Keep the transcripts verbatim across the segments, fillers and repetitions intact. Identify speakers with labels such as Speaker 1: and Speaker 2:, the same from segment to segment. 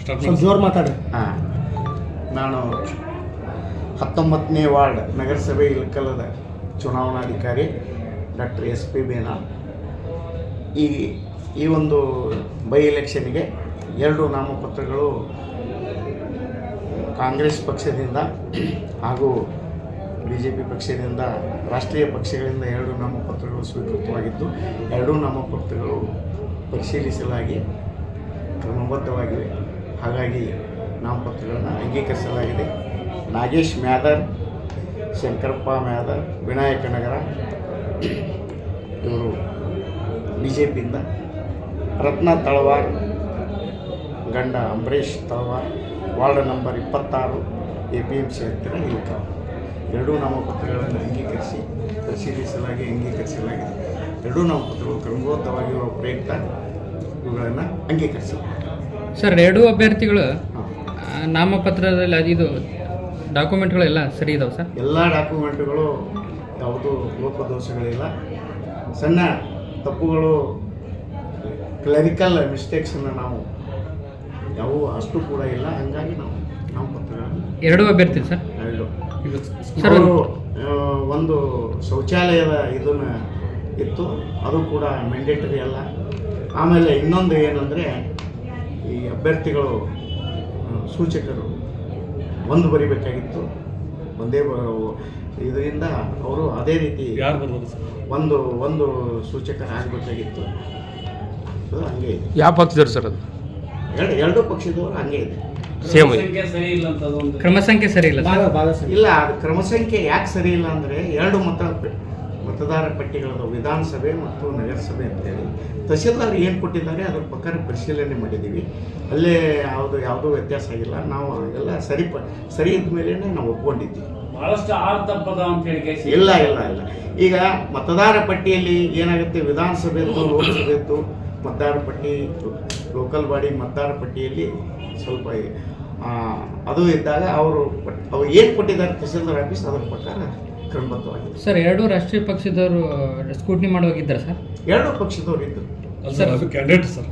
Speaker 1: ಜೋರು ಮಾತಾಡಿ.
Speaker 2: ಹಾಂ, ನಾನು ಹತ್ತೊಂಬತ್ತನೇ ವಾರ್ಡ್ ನಗರಸಭೆ ಇಳಕಲದ ಚುನಾವಣಾಧಿಕಾರಿ ಡಾಕ್ಟರ್ ಎಸ್ ಪಿ ಬೇನಾ. ಈ ಈ ಒಂದು ಬೈ ಎಲೆಕ್ಷನ್ಗೆ ಎರಡು ನಾಮಪತ್ರಗಳು ಕಾಂಗ್ರೆಸ್ ಪಕ್ಷದಿಂದ ಹಾಗೂ ಬಿ ಜೆ ಪಿ ಪಕ್ಷದಿಂದ, ರಾಷ್ಟ್ರೀಯ ಪಕ್ಷಗಳಿಂದ ಎರಡು ನಾಮಪತ್ರಗಳು ಸ್ವೀಕೃತವಾಗಿದ್ದು, ಎರಡೂ ನಾಮಪತ್ರಗಳು ಪರಿಶೀಲಿಸಲಾಗಿ ಕ್ರಮಬದ್ಧವಾಗಿವೆ. ಹಾಗಾಗಿ ನಾಮಪತ್ರಗಳನ್ನು ಅಂಗೀಕರಿಸಲಾಗಿದೆ. ನಾಗೇಶ್ ಮ್ಯಾದರ್, ಶಂಕರಪ್ಪ ಮ್ಯಾದರ್, ವಿನಾಯಕ ನಗರ ಇವರು ಬಿ ಜೆ ಪಿಯಿಂದ, ರತ್ನ ತಳವಾರ್ ಗಂಡ ಅಂಬರೀಷ್ ತಳವಾರ್, ವಾರ್ಡ್ ನಂಬರ್ ಇಪ್ಪತ್ತಾರು, ಎ ಪಿ ಎಂ ಸಿ ಹತ್ತಿರ ಇಲ್ಕ. ಎರಡೂ ನಾಮಪತ್ರಗಳನ್ನು ಅಂಗೀಕರಿಸಿ ಪರಿಶೀಲಿಸಲಾಗಿ ಅಂಗೀಕರಿಸಲಾಗಿದೆ. ಎರಡೂ ನಾಮಪತ್ರಗಳು ಕ್ರಮಬದ್ಧವಾಗಿರುವ ಪ್ರಯುಕ್ತ ಇವುಗಳನ್ನು ಅಂಗೀಕರಿಸಿ.
Speaker 3: ಸರ್, ಎರಡೂ ಅಭ್ಯರ್ಥಿಗಳು ನಾಮಪತ್ರದಲ್ಲಿ ಅದಿದು ಡಾಕ್ಯುಮೆಂಟ್ಗಳೆಲ್ಲ ಸರಿ ಇದಾವೆ ಸರ್? ಎಲ್ಲ
Speaker 2: ಡಾಕ್ಯುಮೆಂಟ್ಗಳು ಯಾವುದೂ ಲೋಪದೋಷಗಳಿಲ್ಲ. ಸಣ್ಣ ತಪ್ಪುಗಳು, ಕ್ಲರಿಕಲ್ ಮಿಸ್ಟೇಕ್ಸನ್ನು ನಾವು ಯಾವುವು ಅಷ್ಟು ಕೂಡ ಇಲ್ಲ. ಹಾಗಾಗಿ ನಾವು ನಾಮಪತ್ರಗಳನ್ನು
Speaker 3: ಎರಡೂ ಅಭ್ಯರ್ಥಿ ಸರ್
Speaker 2: ಎರಡು
Speaker 3: ಸರ್
Speaker 2: ಅವರು ಒಂದು ಶೌಚಾಲಯದ ಇದನ್ನು ಇತ್ತು, ಅದು ಕೂಡ ಮ್ಯಾಂಡೇಟರಿ ಅಲ್ಲ. ಆಮೇಲೆ ಇನ್ನೊಂದು ಏನಂದರೆ, ಈ ಅಭ್ಯರ್ಥಿಗಳು ಸೂಚಕರು ಒಂದು ಬರಿಬೇಕಾಗಿತ್ತು, ಒಂದೇ ಇದರಿಂದ ಅವರು ಅದೇ ರೀತಿ ಒಂದು ಒಂದು ಸೂಚಕರು ಆಗಬೇಕಾಗಿತ್ತು. ಅದು ಹಂಗೆ ಇದೆ.
Speaker 4: ಯಾವ ಪಕ್ಷದವ್ರು ಸರ್ ಅದು?
Speaker 2: ಎರಡು ಎರಡೂ ಪಕ್ಷದವರು ಹಂಗೆ ಇದೆ.
Speaker 4: ಸೇಮ್
Speaker 3: ಕ್ರಮ ಸಂಖ್ಯೆ ಸರಿ ಇಲ್ಲ
Speaker 1: ಭಾಳ ಭಾಳ ಸರಿ
Speaker 2: ಇಲ್ಲ. ಅದು ಕ್ರಮ ಸಂಖ್ಯೆ ಯಾಕೆ ಸರಿ ಇಲ್ಲ ಅಂದರೆ, ಎರಡು ಮತ ಮತದಾರ ಪಟ್ಟಿಗಳದ ವಿಧಾನಸಭೆ ಮತ್ತು ನಗರಸಭೆ ಅಂತೇಳಿ ತಹಸೀಲ್ದಾರ್ ಏನು ಕೊಟ್ಟಿದ್ದಾರೆ ಅದ್ರ ಪ್ರಕಾರ ಪರಿಶೀಲನೆ ಮಾಡಿದ್ದೀವಿ. ಅಲ್ಲೇ ಯಾವುದು ಯಾವುದೂ ವ್ಯತ್ಯಾಸ ಆಗಿಲ್ಲ. ನಾವು ಎಲ್ಲ ಸರಿ ಪ ಸರಿ ಇದ್ದ ಮೇಲೆ ನಾವು ಒಪ್ಕೊಂಡಿದ್ದೀವಿ.
Speaker 5: ಬಹಳಷ್ಟು ಆರ್ತಪ್ಪದ ಅಂತ ಹೇಳಿ
Speaker 2: ಇಲ್ಲ ಇಲ್ಲ ಇಲ್ಲ ಈಗ ಮತದಾರ ಪಟ್ಟಿಯಲ್ಲಿ ಏನಾಗುತ್ತೆ, ವಿಧಾನಸಭೆದ್ದು ಲೋಕಸಭೆದ್ದು ಮತದಾರ ಪಟ್ಟಿ, ಲೋಕಲ್ ಬಾಡಿ ಮತದಾರ ಪಟ್ಟಿಯಲ್ಲಿ ಸ್ವಲ್ಪ ಅದು ಇದ್ದಾಗ ಅವರು ಅವ್ರು ಏನು ಕೊಟ್ಟಿದ್ದಾರೆ ತಹಸೀಲ್ದಾರ್ ಆಫೀಸ್ ಅದರ ಪ್ರಕಾರ ಕ್ರಮಬದ್ಧವಾಗಿದೆ.
Speaker 3: ಸರ್, ಎರಡೂ ರಾಷ್ಟ್ರೀಯ ಪಕ್ಷದವರು ಸ್ಕೂಟ್ನಿ ಮಾಡುವಾಗಿದ್ದಾರೆ ಸರ್?
Speaker 2: ಎರಡೂ ಪಕ್ಷದವರು ಇದ್ದರು
Speaker 4: ಕ್ಯಾಂಡಿಡೇಟ್ ಸರ್.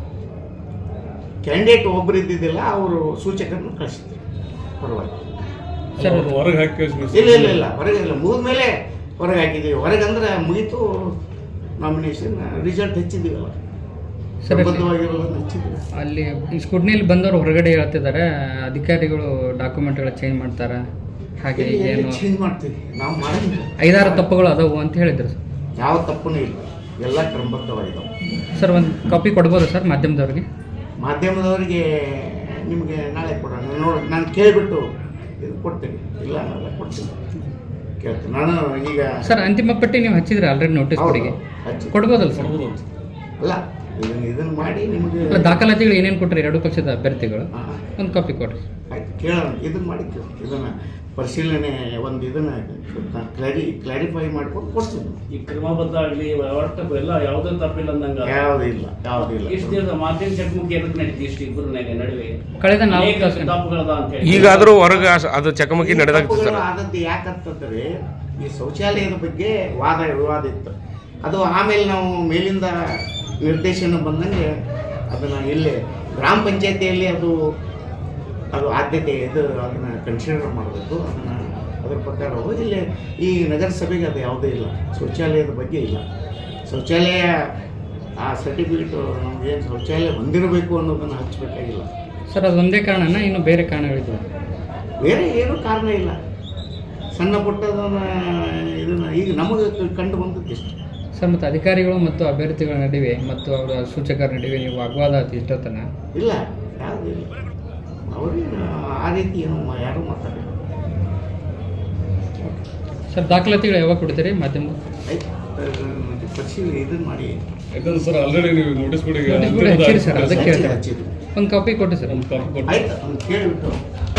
Speaker 2: ಕ್ಯಾಂಡಿಡೇಟ್ ಒಬ್ಬರು ಇದ್ದಿದ್ದಿಲ್ಲ, ಅವರು ಸೂಚಕರನ್ನು ಕಳಿಸಿದ್ರು ಪರವಾಗಿ.
Speaker 3: ಸರ್,
Speaker 4: ಹೊರಗೆ ಹಾಕಿ
Speaker 2: ಇಲ್ಲ ಇಲ್ಲ ಇಲ್ಲ ಹೊರಗೆ ಇಲ್ಲ, ಮುಗಿದ ಮೇಲೆ ಹೊರಗೆ ಹಾಕಿದ್ದೀವಿ. ಹೊರಗೆ ಅಂದ್ರೆ ಮುಗೀತು, ನಾಮಿನೇಷನ್ ರಿಸಲ್ಟ್ ಹೆಚ್ಚಿದ್ದೀವಲ್ಲ, ಕ್ರಮಬದ್ಧವಾಗಿರೋದನ್ನು ಹೆಚ್ಚಿದ್ದೀವಿ.
Speaker 3: ಅಲ್ಲಿ ಈ ಸ್ಕೂಟ್ನಿಯಲ್ಲಿ ಬಂದವರು ಹೊರಗಡೆ ಹೇಳ್ತಿದ್ದಾರೆ ಅಧಿಕಾರಿಗಳು ಡಾಕ್ಯುಮೆಂಟ್ಗಳ ಚೇಂಜ್ ಮಾಡ್ತಾರೆ, ಹಾಗೆ ಏನು
Speaker 2: ಚೇಂಜ್ ಮಾಡ್ತೀವಿ ನಾವು ಮಾಡಿದ್ವಿ.
Speaker 3: ಐದಾರು ತಪ್ಪುಗಳು ಅದಾವು ಅಂತ ಹೇಳಿದ್ರು ಸರ್.
Speaker 2: ಯಾವ ತಪ್ಪೂ ಇಲ್ಲ, ಎಲ್ಲ ಕ್ರಮಬದ್ಧವಾಗಿದ್ದಾವೆ.
Speaker 3: ಸರ್, ಒಂದು ಕಾಪಿ ಕೊಡ್ಬೋದು ಸರ್ ಮಾಧ್ಯಮದವ್ರಿಗೆ?
Speaker 2: ಮಾಧ್ಯಮದವರಿಗೆ ನಿಮಗೆ ನಾಳೆ ಕೊಡೋಣ. ನೋಡಿ, ನಾನು ಕೇಳಿಬಿಟ್ಟು ಇದು ಕೊಡ್ತೀನಿ. ಇಲ್ಲ ಅನ್ನಲ್ಲ, ಕೊಡ್ತೀನಿ, ಕೇಳ್ತೀನಿ ನಾನು. ಈಗ
Speaker 3: ಸರ್, ಅಂತಿಮ ಪಟ್ಟಿ ನೀವು ಹಚ್ಚಿದ್ರೆ ಆಲ್ರೆಡಿ ನೋಟಿಸ್ ಕೊಡಿಗೆ
Speaker 2: ಹಚ್ಚಿ
Speaker 3: ಕೊಡ್ಬೋದಲ್ಲ ಸರ್?
Speaker 2: ಅಲ್ಲ, ಇದನ್ನು ಇದನ್ನು ಮಾಡಿ ನಿಮಗೆ
Speaker 3: ಅಲ್ಲ, ದಾಖಲಾತಿಗಳು ಏನೇನು ಕೊಟ್ಟರೆ ಎರಡೂ ಪಕ್ಷದ ಅಭ್ಯರ್ಥಿಗಳು ಒಂದು ಕಾಪಿ ಕೊಡ್ರಿ.
Speaker 2: ಆಯ್ತು, ಕೇಳೋಣ. ಇದನ್ನು ಮಾಡಿ ಇದನ್ನು ಪರಿಶೀಲನೆ ಒಂದು ಇದನ್ನು ಕ್ಲಾರಿ ಕ್ಲಾರಿಫೈ ಮಾಡ್ಕೊಂಡು ಕೊಡ್ತೀನಿ.
Speaker 5: ಈ ಕ್ರಮಬದ್ಧ ಆಗಲಿ ಒಟ್ಟು ಎಲ್ಲ ಯಾವುದೇ ತಪ್ಪಿಲ್ಲ ಅಂದಂಗ
Speaker 2: ಯಾವುದೂ ಇಲ್ಲ, ಯಾವುದೂ ಇಲ್ಲ.
Speaker 5: ಇಷ್ಟು ದಿವಸ ಮಾಧ್ಯಮ ಚಕಮಕಿ ಎದಕ್ಕೆ ನಡೀತಿ ಇಷ್ಟು ಇಬ್ಬರು ನಡುವೆ
Speaker 3: ಕಳೆದ ನಾಲ್ಕು
Speaker 5: ತಪ್ಪುಗಳದ ಅಂತ ಹೇಳಿ
Speaker 4: ಈಗಾದರೂ ಹೊರಗೆ ಅದು ಚಕಮಕಿ ನಡೆದಾಗ್ತದೆ ಸರ್.
Speaker 2: ಆದದ್ದು ಯಾಕಂತಂದರೆ, ಈ ಶೌಚಾಲಯದ ಬಗ್ಗೆ ವಾದ ವಿವಾದ ಇತ್ತು. ಅದು ಆಮೇಲೆ ನಾವು ಮೇಲಿಂದ ನಿರ್ದೇಶನ ಬಂದಂಗೆ ಅದನ್ನು ಇಲ್ಲೇ ಗ್ರಾಮ ಪಂಚಾಯತಿಯಲ್ಲಿ ಅದು ಅದು ಆದ್ಯತೆ ಇದು ಅದನ್ನು ಕನ್ಸಿಡರ್ ಮಾಡಬೇಕು. ಅದನ್ನು ಅದರ ಪ್ರಕಾರ ಹೋಗಿ ಇಲ್ಲಿ ಈ ನಗರಸಭೆಗೆ ಅದು ಯಾವುದೇ ಇಲ್ಲ, ಶೌಚಾಲಯದ ಬಗ್ಗೆ ಇಲ್ಲ. ಶೌಚಾಲಯ ಆ ಸರ್ಟಿಫಿಕೇಟು ನಮಗೇನು ಶೌಚಾಲಯ ಹೊಂದಿರಬೇಕು ಅನ್ನೋದನ್ನು ಹಚ್ಚಬೇಕಾಗಿಲ್ಲ
Speaker 3: ಸರ್. ಅದು ಒಂದೇ ಕಾರಣನ ಇನ್ನು ಬೇರೆ ಕಾರಣಗಳಿದ್ವು?
Speaker 2: ಬೇರೆ ಏನೂ ಕಾರಣ ಇಲ್ಲ. ಸಣ್ಣ ಪುಟ್ಟದನ್ನು ಇದನ್ನು ಈಗ ನಮಗೆ ಕಂಡು ಬಂದದ್ದು ಇಷ್ಟು
Speaker 3: ಸರ್. ಮತ್ತು ಅಧಿಕಾರಿಗಳು ಮತ್ತು ಅಭ್ಯರ್ಥಿಗಳ ನಡುವೆ ಮತ್ತು ಅವರ ಸೂಚಕರ ನಡುವೆ ನೀವು ವಾಗ್ವಾದ ಆಯ್ತು ಇಷ್ಟೊತ್ತನ?
Speaker 2: ಇಲ್ಲ, ಯಾವುದೂ ಇಲ್ಲ. ಅವ್ರಿಗೆ ಆ ರೀತಿ ಏನು ಯಾರೂ ಮಾತಾಡಿಲ್ಲ
Speaker 3: ಸರ್. ದಾಖಲಾತಿಗಳು ಯಾವಾಗ ಕೊಡ್ತೀರಿ ಮಾಧ್ಯಮ?
Speaker 2: ಆಯ್ತು, ಪರಿಶೀಲನೆ ಇದನ್ನು ಮಾಡಿ.
Speaker 4: ಯಾಕಂದ್ರೆ ಸರ್ ಆಲ್ರೆಡಿ ನೀವು ನೋಟಿಸ್ ಕೊಡಿ
Speaker 3: ಹಚ್ಚಿರಿ ಸರ್, ಅದಕ್ಕೆ
Speaker 2: ಹಚ್ಚಿದ್ವಿ.
Speaker 3: ಒಂದು ಕಾಪಿ ಕೊಟ್ಟು ಸರ್.
Speaker 4: ಒಂದು ಕಾಪಿ ಕೊಟ್ಟು
Speaker 2: ಆಯ್ತು, ಕೇಳಿಬಿಟ್ಟು